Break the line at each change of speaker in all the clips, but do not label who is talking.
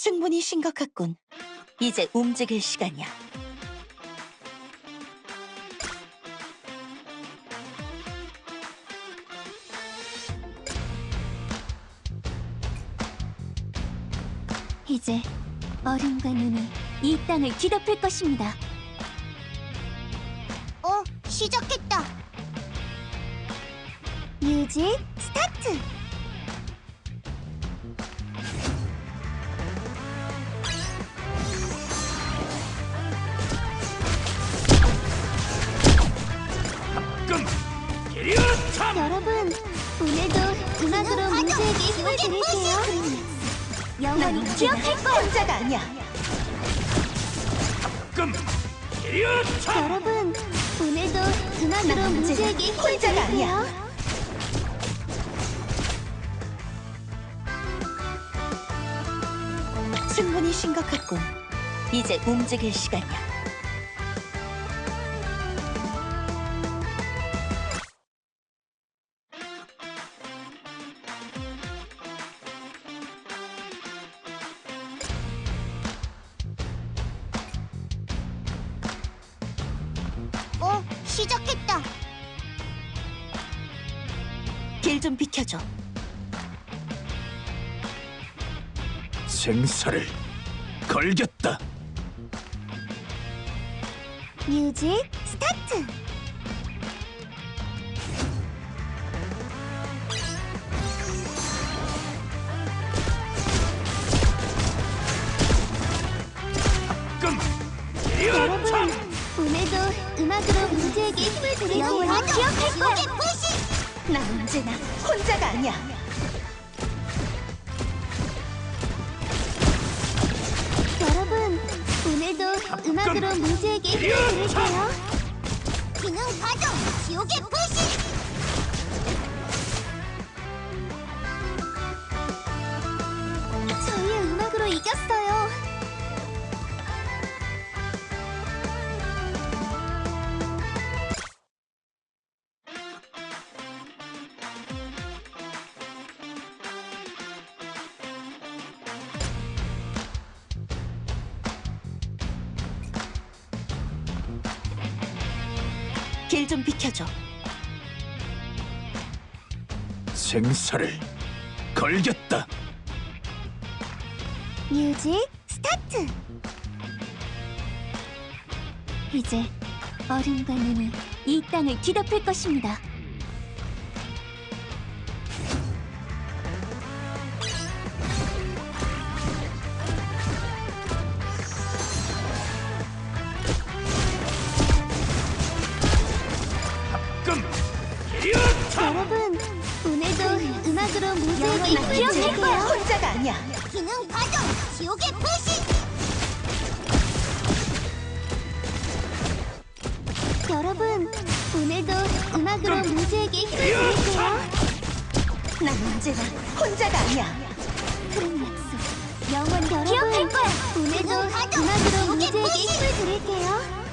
충분히 심각했군. 이제 움직일 시간이야.
이제 얼음과 눈이 이 땅을 뒤덮을 것입니다.
시작했다. 뮤직 스타트. 여러분, 오늘도 음악으로 문제에게 힘을 드릴게요. 영원히 기억할 거야.
혼자가 아니야.
여러분, 오늘도 음악으로 문제에게 힘을
혼자가 아니야.
드릴게요.
충분히 심각했군. 이제 움직일 시간이야.
시작했다.
길 좀 비켜줘.
생사를 걸겠다.
뮤직 스타트. 여러분, 오늘도 음악으로 문제에게 힘을 드릴게요. 영원히 기억할 거야.
난 언제나 혼자가 아니야.
여러분, 오늘도 음악으로 문제에게 힘을 드릴게요. 기능 가동, 지옥의 불씨. 저희의 음악으로 이겼어요.
길 좀 비켜줘.
생사를 걸겠다.
뮤직 스타트.
이제 얼음과 눈이 이 땅을 뒤덮을 것입니다.
여러분, 오늘도 음악으로 문제에게 힘을
기억할
드릴게요.
거야. 혼자가 아니야.
기능 가동, 지옥의 불씨. 여러분, 오늘도 음악으로 문제에게 힘을 드릴게요.
난 언제나 혼자가 아니야.
그런 약속 영원히 기억할 거야. 오늘도 음악으로 문제에게 힘을 드릴게요.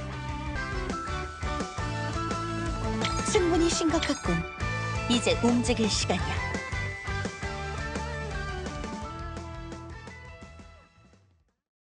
충분히 심각했군. 이제 움직일 시간이야.